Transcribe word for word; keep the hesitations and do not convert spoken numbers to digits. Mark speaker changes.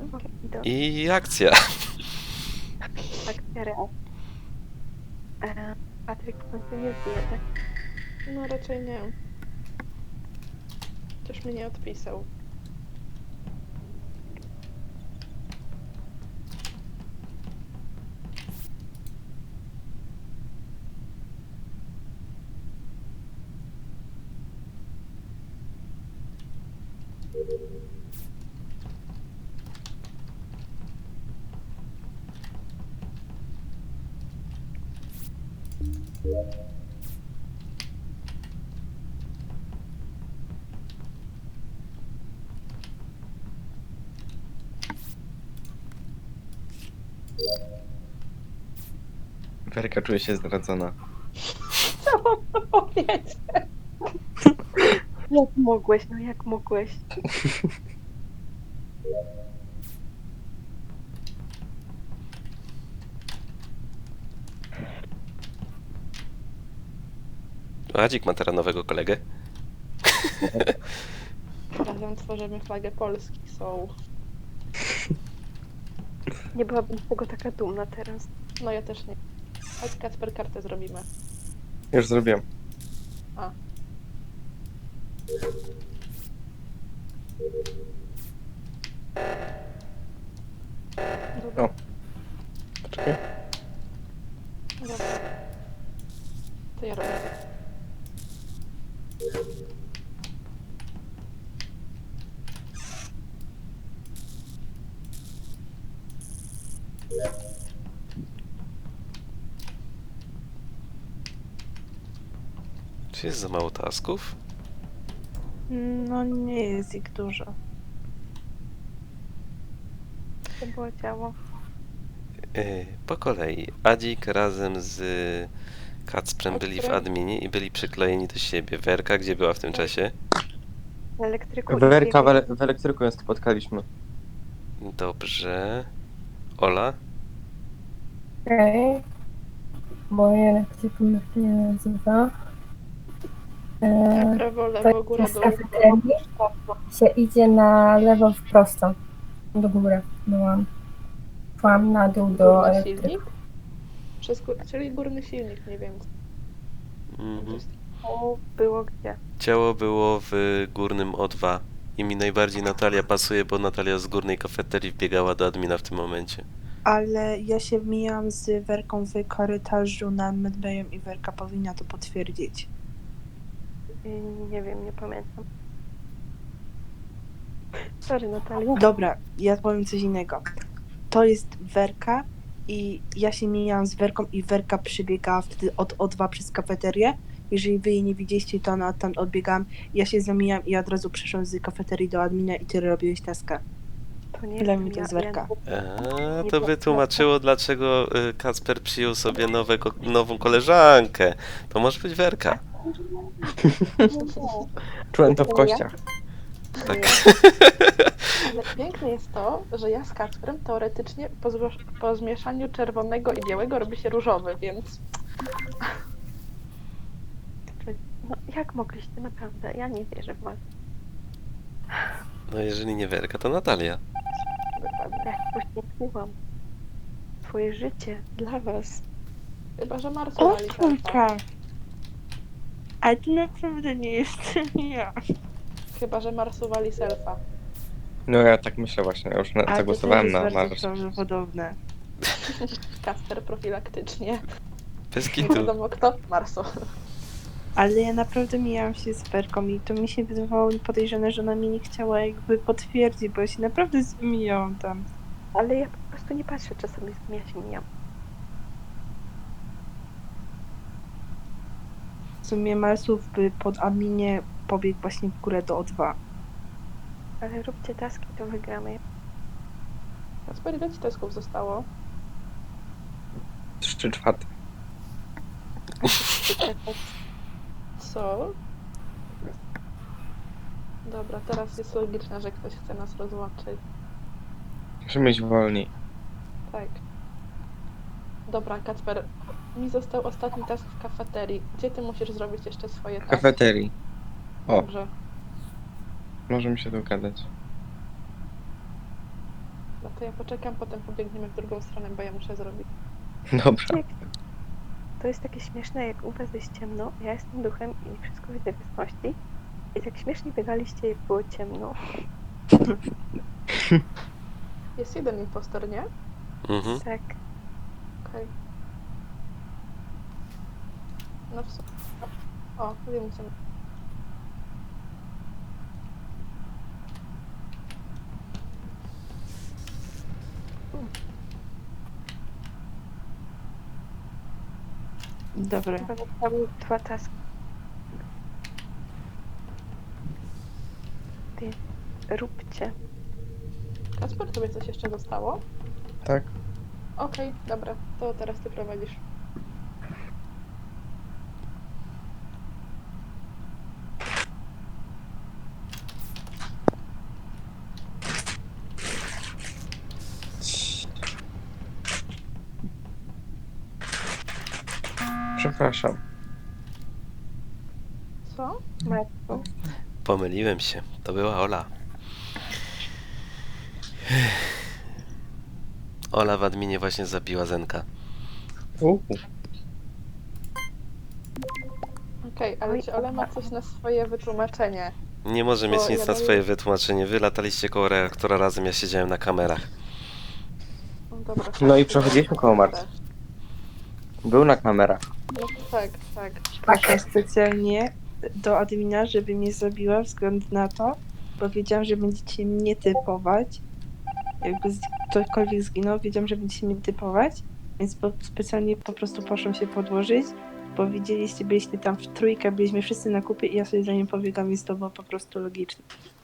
Speaker 1: I akcja.
Speaker 2: Akcja real. E, Patryk w końcu nie zbije, tak?
Speaker 3: No raczej nie. Też mnie nie odpisał.
Speaker 4: Werka czuje się zdradzona.
Speaker 3: Co mam to powiedzieć?
Speaker 2: Jak mogłeś, no jak mogłeś?
Speaker 1: Adzik ma teraz nowego kolegę.
Speaker 3: Razem tworzymy flagę Polski. So.
Speaker 2: Nie byłabym z tego taka dumna teraz.
Speaker 3: No ja też nie. Chodź Kacper, kartę zrobimy.
Speaker 4: Już zrobiłem.
Speaker 3: A.
Speaker 4: O. Poczekaj.
Speaker 3: Dobra. To ja robię.
Speaker 1: Czy jest za mało tasków?
Speaker 5: No nie jest ich dużo.
Speaker 2: To było ciało.
Speaker 1: Yy, po kolei. Adzik razem z Kacprem byli w
Speaker 3: Kacprem.
Speaker 1: adminie i byli przyklejeni do siebie. Werka, gdzie była w tym czasie?
Speaker 2: W elektryku. i
Speaker 4: Werka w,
Speaker 2: biegł-
Speaker 4: ele- w elektryku ją spotkaliśmy.
Speaker 1: Dobrze. Ola?
Speaker 6: Okej. Okay. Moje elektrykum jak się nie nazywa.
Speaker 3: Ja
Speaker 6: Eee,
Speaker 3: prawo,
Speaker 6: to
Speaker 3: lewo, góra,
Speaker 6: jest
Speaker 3: dół.
Speaker 6: kafeterii. Się idzie na lewo w prosto. Do góry byłam. Szłam na dół do
Speaker 3: Górny
Speaker 6: elektryku.
Speaker 3: silnik? Przez gó- czyli górny silnik, nie wiem.
Speaker 1: Mhm.
Speaker 2: To było gdzie?
Speaker 1: Ciało było w górnym O dwa. I mi najbardziej Natalia pasuje, bo Natalia z górnej kafeterii wbiegała do admina w tym momencie.
Speaker 5: Ale ja się mijam z Werką w korytarzu nad Medbayem i Werka powinna to potwierdzić.
Speaker 2: Y, Nie wiem, nie pamiętam. Sorry, Natalia.
Speaker 5: Dobra, ja powiem coś innego. To jest Werka i ja się mijam z Werką i Werka przybiegała wtedy od O dwa przez kafeterię. Jeżeli wy jej nie widzieliście, to ona tam odbiegałam. Ja się zamijam i od razu przeszłam z kafeterii do admina i ty robiłeś taskę.
Speaker 2: To nie
Speaker 5: Dla
Speaker 2: wiem,
Speaker 5: mnie to
Speaker 2: ja-
Speaker 5: jest
Speaker 2: ja
Speaker 5: Werka.
Speaker 1: A, to by tłumaczyło, dlaczego y, Kacper przyjął sobie nowego, nową koleżankę. To może być Werka.
Speaker 4: Czułem to w kościach.
Speaker 1: Tak.
Speaker 3: Ale piękne jest to, że ja z Kacprem teoretycznie po, zło- po zmieszaniu czerwonego i białego robi się różowy, więc
Speaker 2: No jak mogliście, naprawdę? Ja nie wierzę w was.
Speaker 1: No jeżeli nie Werka, to Natalia.
Speaker 3: dokładnie.
Speaker 2: Jak poświęciłam swoje życie dla was.
Speaker 3: Chyba, że Marsu
Speaker 5: O
Speaker 3: wali selfa.
Speaker 5: kurka! Ale to naprawdę nie jestem ja.
Speaker 3: Chyba, że Marsu wali selfa.
Speaker 4: No ja tak myślę właśnie, ja już na,
Speaker 5: Ale to
Speaker 4: zagłosowałem
Speaker 5: też
Speaker 4: na
Speaker 5: jest bardzo
Speaker 4: Mars.
Speaker 5: prawdopodobne.
Speaker 3: Kacper profilaktycznie.
Speaker 1: Bez
Speaker 3: Nie
Speaker 1: kitu.
Speaker 3: wiadomo kto. Marsu.
Speaker 5: Ale ja naprawdę mijałam się z Werką i to mi się wydawało podejrzane, że ona mi nie chciała jakby potwierdzić, bo ja się naprawdę zmijałam tam.
Speaker 2: Ale ja po prostu nie patrzę czasami, ja się mijam.
Speaker 5: W sumie Marsów by pod adminie pobiegł właśnie w górę do O dwa.
Speaker 2: Ale róbcie taski, to wygramy.
Speaker 3: Kacper, ile ci tesków zostało?
Speaker 4: Trzy czwarte.
Speaker 3: Co? Dobra, teraz jest logiczne, że ktoś chce nas rozłączyć.
Speaker 4: Musimy iść wolniej.
Speaker 3: Tak. Dobra, Kacper, mi został ostatni task w kafeterii. Gdzie ty musisz zrobić jeszcze swoje
Speaker 4: W
Speaker 3: taski?
Speaker 4: kafeterii. O,
Speaker 3: Dobrze.
Speaker 4: możemy się dogadać.
Speaker 3: Dobra, to ja poczekam, potem pobiegniemy w drugą stronę, bo ja muszę zrobić.
Speaker 4: Dobra.
Speaker 2: Jak... To jest takie śmieszne, jak u was jest ciemno, ja jestem duchem i wszystko widzę w jasności. I tak śmiesznie biegaliście, jak było ciemno.
Speaker 3: Jest jeden impostor, nie?
Speaker 1: Mhm.
Speaker 2: Tak.
Speaker 3: Okej. No w sumie. O, wiem co.
Speaker 5: Dobra.
Speaker 2: Chyba zostały dwa taski. Ty, róbcie.
Speaker 3: Kasper, tobie coś jeszcze zostało?
Speaker 4: Tak.
Speaker 3: Okej, dobra, to teraz ty prowadzisz.
Speaker 4: Przepraszam.
Speaker 3: Co?
Speaker 2: Matko.
Speaker 1: Pomyliłem się. To była Ola. Ola w adminie właśnie zabiła Zenka.
Speaker 4: Uuu.
Speaker 3: Okej, ale czy Ola ma coś na swoje wytłumaczenie?
Speaker 1: Nie może
Speaker 3: Bo
Speaker 1: mieć nic
Speaker 3: ja
Speaker 1: na
Speaker 3: dalej-
Speaker 1: swoje wytłumaczenie. Wy lataliście koło reaktora razem, ja siedziałem na kamerach.
Speaker 3: No, dobra,
Speaker 4: No i
Speaker 3: tak,
Speaker 4: przechodziliśmy
Speaker 3: to
Speaker 4: koło
Speaker 3: też.
Speaker 4: Marty. Był na kamerach.
Speaker 3: No tak, tak.
Speaker 5: Poszłam specjalnie do admina, żeby mnie zabiła względu na to, bo wiedziałam, że będziecie mnie typować. Jakby z- ktokolwiek zginął, wiedziałam, że będziecie mnie typować, więc po, specjalnie po prostu poszłam się podłożyć, bo widzieliście, byliście tam w trójkę, byliśmy wszyscy na kupie i ja sobie za nim pobiegam, więc to było po prostu logiczne.